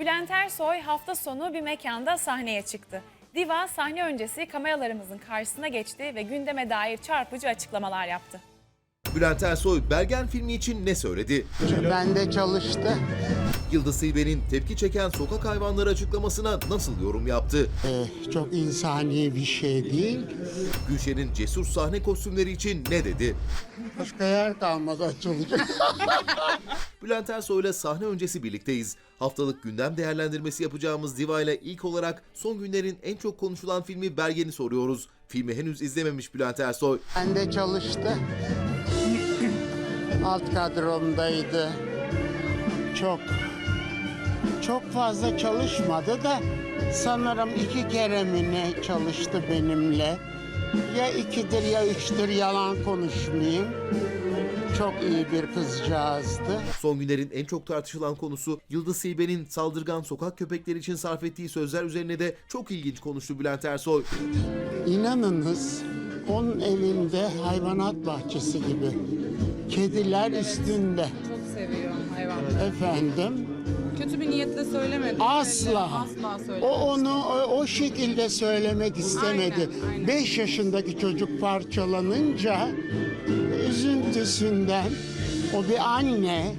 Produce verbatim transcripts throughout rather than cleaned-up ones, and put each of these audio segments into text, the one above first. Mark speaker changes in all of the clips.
Speaker 1: Bülent Ersoy hafta sonu bir mekanda sahneye çıktı. Diva sahne öncesi kameralarımızın karşısına geçti ve gündeme dair çarpıcı açıklamalar yaptı.
Speaker 2: Bülent Ersoy Bergen filmi için ne söyledi?
Speaker 3: Bende çalıştı.
Speaker 2: Yıldız Tilbe'nin tepki çeken sokak hayvanları açıklamasına nasıl yorum yaptı?
Speaker 3: Ee, çok insani bir şey değil.
Speaker 2: Gülşen'in cesur sahne kostümleri için ne dedi?
Speaker 3: Başka yer kalmadı açılacak.
Speaker 2: Bülent Ersoy'la sahne öncesi birlikteyiz. Haftalık gündem değerlendirmesi yapacağımız Diva ile ilk olarak son günlerin en çok konuşulan filmi Bergen'i soruyoruz. Filmi henüz izlememiş Bülent Ersoy.
Speaker 3: Bende çalıştı. Alt kadromdaydı. Çok çok fazla çalışmadı da sanırım iki kere mi ne çalıştı benimle. Ya ikidir ya üçtür, yalan konuşmayayım. Çok iyi bir kızcağızdı.
Speaker 2: Son günlerin en çok tartışılan konusu Yıldız Tilbe'nin saldırgan sokak köpekleri için sarf ettiği sözler üzerine de çok ilginç konuştu Bülent Ersoy.
Speaker 3: İnanınız onun evinde hayvanat bahçesi gibi. Kediler üstünde.
Speaker 4: Çok seviyor hayvanları.
Speaker 3: Efendim?
Speaker 4: Kötü bir niyetle söylemedi.
Speaker 3: Asla.
Speaker 4: Asla söylemedi.
Speaker 3: O onu o, o şekilde söylemek istemedi.
Speaker 4: Aynen, aynen.
Speaker 3: Beş yaşındaki çocuk parçalanınca üzüntüsünden o bir anne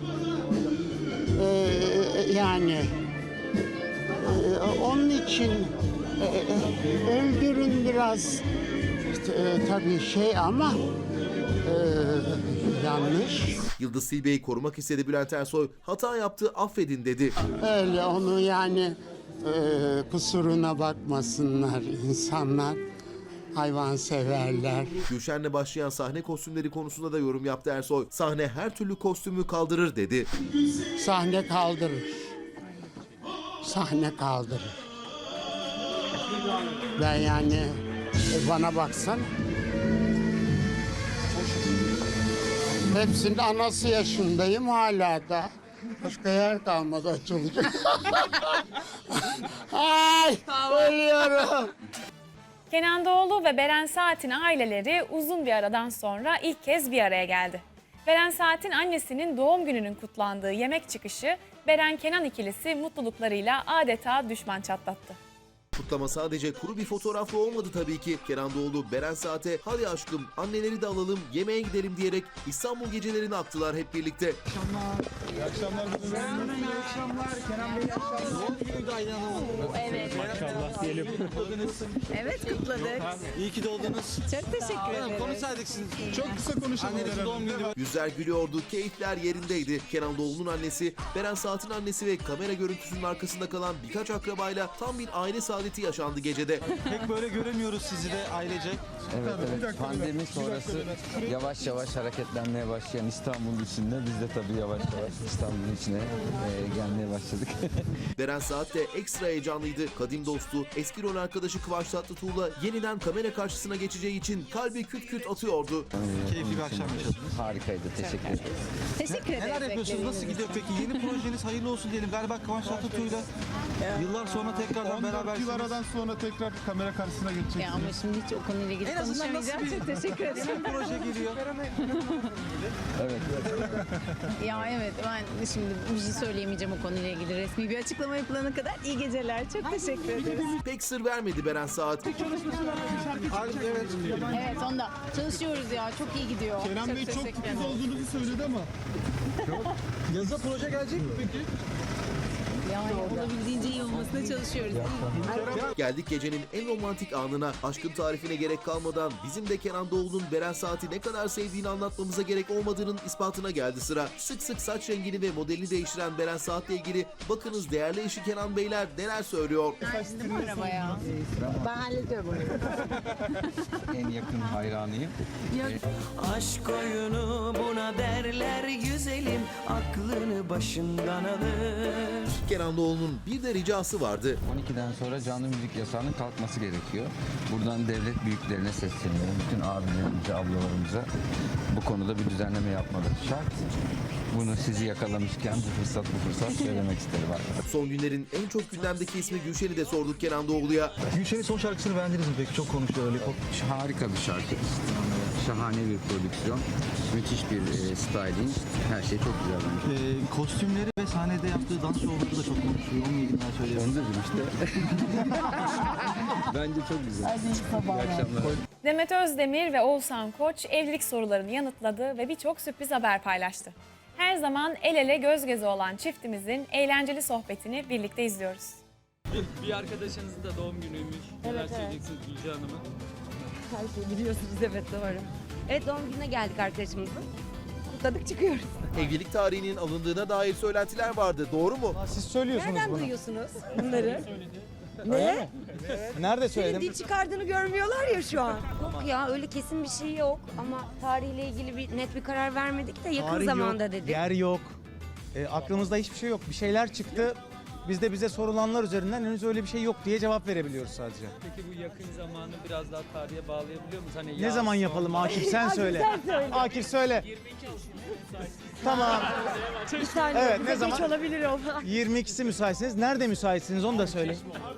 Speaker 3: e, yani e, onun için e, e, öldürün biraz e, tabii şey ama e, yanlış.
Speaker 2: Yıldız Tilbe'yi korumak istedi Bülent Ersoy. Hata yaptı, affedin dedi.
Speaker 3: Öyle onu yani e, kusuruna bakmasınlar insanlar, hayvanseverler.
Speaker 2: Gülşen'le başlayan sahne kostümleri konusunda da yorum yaptı Ersoy. Sahne her türlü kostümü kaldırır dedi.
Speaker 3: Sahne kaldırır. Sahne kaldırır. Ben yani e, bana baksan hepsinin anası yaşındayım hala da. Başka yer kalmadı açılacak. Ay ölüyorum.
Speaker 1: Kenan Doğulu ve Beren Saat'in aileleri uzun bir aradan sonra ilk kez bir araya geldi. Beren Saat'in annesinin doğum gününün kutlandığı yemek çıkışı Beren-Kenan ikilisi mutluluklarıyla adeta düşman çatlattı.
Speaker 2: Kutlama sadece kuru bir fotoğrafla olmadı tabii ki. Kenan Doğulu, Beren Saat'e hadi aşkım anneleri de alalım yemeğe gidelim diyerek İstanbul gecelerini aktılar hep birlikte.
Speaker 5: İyi akşamlar. İyi akşamlar. Kenan Bey iyi akşamlar. Doğum günüydü Aydan Hanım.
Speaker 6: Evet.
Speaker 5: Maşallah diyelim. Kutladınız.
Speaker 6: Evet kutladık.
Speaker 5: İyi ki doğdunuz.
Speaker 6: Çok teşekkür ederim.
Speaker 5: Konuşsaydık siz. Çok kısa konuşalım. Annenizin doğum günü var.
Speaker 2: Yüzler gülüyordu, keyifler yerindeydi. Kenan Doğulu'nun annesi, Beren Saat'in annesi ve kamera görüntüsünün arkasında kalan birkaç akrabayla tam bir aile saadeti yaşandı gecede.
Speaker 5: Pek böyle göremiyoruz sizi de ailecek.
Speaker 7: Evet, evet. Pandemi sonrası yavaş yavaş hareketlenmeye başlayan İstanbul'un içinde biz de tabii yavaş yavaş İstanbul'un içine e, gelmeye başladık.
Speaker 2: Beren Saat de ekstra heyecanlıydı. Kadim dostu, eski rol arkadaşı Kıvanç Tatlıtuğ'la yeniden kamera karşısına geçeceği için kalbi küt küt atıyordu.
Speaker 5: Keyifli bir akşam yaşadınız.
Speaker 7: Harikaydı, teşekkür ederim.
Speaker 6: Teşekkür ederiz.
Speaker 5: Neler yapıyorsunuz? Nasıl gidiyor peki? Yeni projeniz hayırlı olsun diyelim. Galiba Kıvanç Tatlıtuğ'la yıllar sonra tekrardan berabersiniz.
Speaker 8: yıl aradan sonra tekrar kamera karşısına geçeceksiniz.
Speaker 6: Ya ama şimdi hiç o konuyla ilgili
Speaker 5: En azından nasıl
Speaker 6: konuşamayacağım.
Speaker 5: bir-
Speaker 6: Çok teşekkür ederim.
Speaker 5: Yeni bir proje geliyor.
Speaker 7: Evet.
Speaker 6: Ya evet ben şimdi bir şey söyleyemeyeceğim o konuyla ilgili. Resmi bir açıklama yapılana kadar iyi geceler. Çok teşekkür ederiz.
Speaker 2: Pek sır vermedi Beren Saat.
Speaker 5: Harbi, evet.
Speaker 6: Evet onda çalışıyoruz ya. Çok iyi gidiyor.
Speaker 8: Kenan Bey çok
Speaker 6: teşekkür ederim.
Speaker 8: titiz olduğunuzu söyledi ama.
Speaker 5: Yaza proje gelecek mi peki?
Speaker 6: Yani olabildiğince iyi olmasına çalışıyoruz.
Speaker 2: Geldik gecenin en romantik anına. Aşkın tarifine gerek kalmadan bizim de Kenan Doğulu'nun Beren Saat'i ne kadar sevdiğini anlatmamıza gerek olmadığının ispatına geldi sıra. Sık sık saç rengini ve modelini değiştiren Beren Saat'le ilgili bakınız değerli eşi Kenan Beyler neler söylüyor.
Speaker 6: Şimdi bu arabaya. Ben hallediyorum onu.
Speaker 7: En yakın hayranıyım.
Speaker 9: Aşk oyunu buna derler güzelim, aklını başından alır.
Speaker 2: Kenan Doğulu'nun bir de ricası vardı.
Speaker 7: on ikiden sonra canlı müzik yasağının kalkması gerekiyor. Buradan devlet büyüklerine sesleniyorum. Bütün abilerimize, ablalarımıza bu konuda bir düzenleme yapmaları şart. Bunu sizi yakalamışken bu fırsat bu fırsat söylemek isterim arkadaşlar.
Speaker 2: Son günlerin en çok gündemdeki ismi Gülşen'i de sorduk Kenan Doğulu'ya.
Speaker 5: Gülşen'in son şarkısını beğendiniz mi peki? Çok konuştu öyle.
Speaker 7: Harika bir şarkı. Şahane bir prodüksiyon. Müthiş bir e, styling. Her şey çok güzel bence.
Speaker 5: Ee, kostümleri ve sahnede yaptığı dans şovları da çok konuşuyor. Onunla ilgili
Speaker 7: Onu dedim işte. Bence çok güzel. İyi akşamlar.
Speaker 1: Demet Özdemir ve Oğuzhan Koç evlilik sorularını yanıtladı ve birçok sürpriz haber paylaştı. Her zaman el ele göz göze olan çiftimizin eğlenceli sohbetini birlikte izliyoruz.
Speaker 10: Bir arkadaşınızın da doğum günüymüş. Neler
Speaker 11: Evet, evet.
Speaker 10: söyleyeceksiniz Gülce Hanım'a?
Speaker 11: Her şeyi biliyorsunuz, evet doğru. Evet, doğum gününe geldik arkadaşımızın. Kutladık, çıkıyoruz.
Speaker 2: Evlilik tarihinin alındığına dair söylentiler vardı. Doğru mu?
Speaker 8: Siz söylüyorsunuz
Speaker 11: Nereden
Speaker 8: bunu.
Speaker 11: duyuyorsunuz bunları?
Speaker 8: Ne? Nerede
Speaker 11: Senin
Speaker 8: söyledim?
Speaker 11: dil çıkardığını görmüyorlar ya şu an. Yok ya, öyle kesin bir şey yok ama tarihle ilgili bir net bir karar vermedik de yakın
Speaker 12: Tarih
Speaker 11: zamanda
Speaker 12: yok,
Speaker 11: dedik.
Speaker 12: yer yok. E, aklımızda hiçbir şey yok. Bir şeyler çıktı. Biz de bize sorulanlar üzerinden henüz öyle bir şey yok diye cevap verebiliyoruz sadece.
Speaker 10: Peki bu yakın zamanı biraz daha tarihe bağlayabiliyor musunuz? Hani
Speaker 12: Ne
Speaker 10: yaz,
Speaker 12: zaman yapalım Akif sen söyle. Akif söyle. Tamam.
Speaker 11: Bir saniye,
Speaker 12: Evet,
Speaker 11: bize
Speaker 12: ne zaman?
Speaker 11: geç olabilir o.
Speaker 12: yirmi ikisi müsaitsiniz. Nerede müsaitsiniz onu da söyle.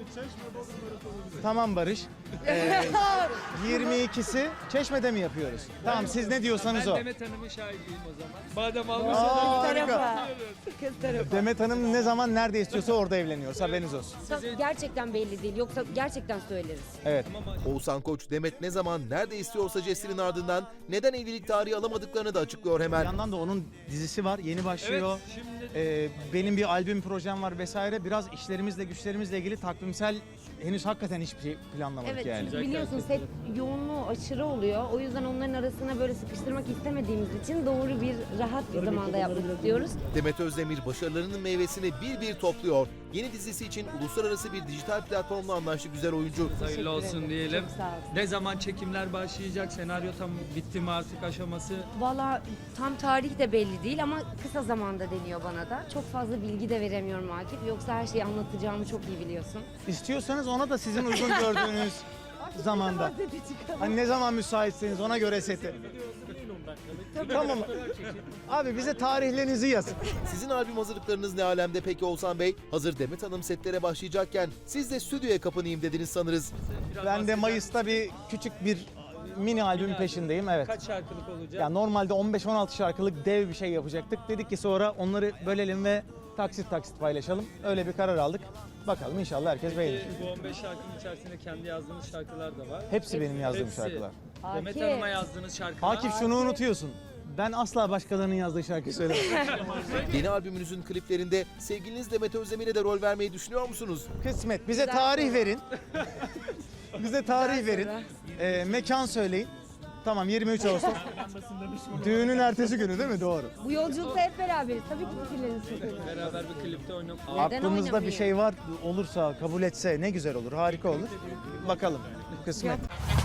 Speaker 12: Tamam Barış. Ee, yirmi ikisi Çeşme'de mi yapıyoruz? Tamam siz ne diyorsanız
Speaker 10: Ben
Speaker 12: o.
Speaker 10: Demet Hanım'ın şahidiyim o zaman. Madem almış
Speaker 12: Aa,
Speaker 11: Kız
Speaker 12: harika.
Speaker 11: tarafa. Kız tarafa.
Speaker 12: Demet Hanım ne zaman nerede istiyorsa orada evleniyoruz. Haberiniz olsun.
Speaker 11: Gerçekten belli değil, yoksa gerçekten söyleriz.
Speaker 12: Evet.
Speaker 2: Oğuzhan Koç, Demet ne zaman nerede istiyorsa jestinin ardından neden evlilik tarihi alamadıklarını da açıklıyor
Speaker 12: Bir
Speaker 2: hemen.
Speaker 12: yandan da onun dizisi var. Yeni başlıyor.
Speaker 10: Evet, şimdi
Speaker 12: Ee, benim bir albüm projem var vesaire. Biraz işlerimizle güçlerimizle ilgili takvimsel henüz hakikaten hiçbir şey planlamadık
Speaker 11: Evet,
Speaker 12: yani.
Speaker 11: çünkü biliyorsun set yoğunluğu aşırı oluyor. O yüzden onların arasına böyle sıkıştırmak istemediğimiz için doğru bir rahat bir zamanda yapmak istiyoruz.
Speaker 2: Demet Özdemir başarılarının meyvesini bir bir topluyor. Yeni dizisi için uluslararası bir dijital platformla anlaştı güzel oyuncu.
Speaker 10: hayırlı olsun diyelim.
Speaker 11: Çok sağ olsun.
Speaker 10: Ne zaman çekimler başlayacak? Senaryo tam bitti mi artık aşaması?
Speaker 11: Valla tam tarih de belli değil ama kısa zamanda deniyor bana da. Çok fazla bilgi de veremiyorum Akif. Yoksa her şeyi anlatacağımı çok iyi biliyorsun.
Speaker 12: İstiyorsanız ona da sizin uygun gördüğünüz zamanda. Hani ne zaman müsaitseniz ona göre seti. Tamam. Abi bize tarihlerinizi yazın.
Speaker 2: Sizin albüm hazırlıklarınız ne alemde peki Oğuzhan Bey? Hazır Demet Hanım setlere başlayacakken siz de stüdyoya kapanayım dediniz sanırız.
Speaker 10: Biraz
Speaker 12: Ben de
Speaker 10: bahseder
Speaker 12: Mayıs'ta bir küçük bir mini albüm peşindeyim. Evet.
Speaker 10: Kaç şarkılık olacak?
Speaker 12: Ya normalde on beş on altı şarkılık dev bir şey yapacaktık. Dedik ki sonra onları bölelim ve taksit taksit paylaşalım. Öyle bir karar aldık. Bakalım inşallah herkes beğenir.
Speaker 10: Bu on beş şarkının içerisinde kendi yazdığınız şarkılar da var.
Speaker 12: Hepsi benim yazdığım
Speaker 10: Hepsi.
Speaker 12: şarkılar.
Speaker 10: Demet
Speaker 11: Akif.
Speaker 10: Hanım'a yazdığınız şarkılar.
Speaker 12: Akif şunu unutuyorsun. Ben asla başkalarının yazdığı şarkı söylemem.
Speaker 2: Yeni albümünüzün kliplerinde sevgiliniz Demet Özdemir'e de rol vermeyi düşünüyor musunuz?
Speaker 12: Kısmet. Bize tarih verin. Bize tarih verin. Ee, mekan söyleyin. Tamam yirmi üç Ağustos. Düğünün ertesi günü değil mi? Doğru.
Speaker 11: Bu yolculukta hep beraberiz. Tabii ki fikirleriniz çok önemli.
Speaker 10: Beraber bir klipte oynayıp
Speaker 11: Neden
Speaker 12: Aklımızda bir
Speaker 11: oynamayayım?
Speaker 12: şey var olursa kabul etse ne güzel olur. Harika olur. Bakalım. Kısmet.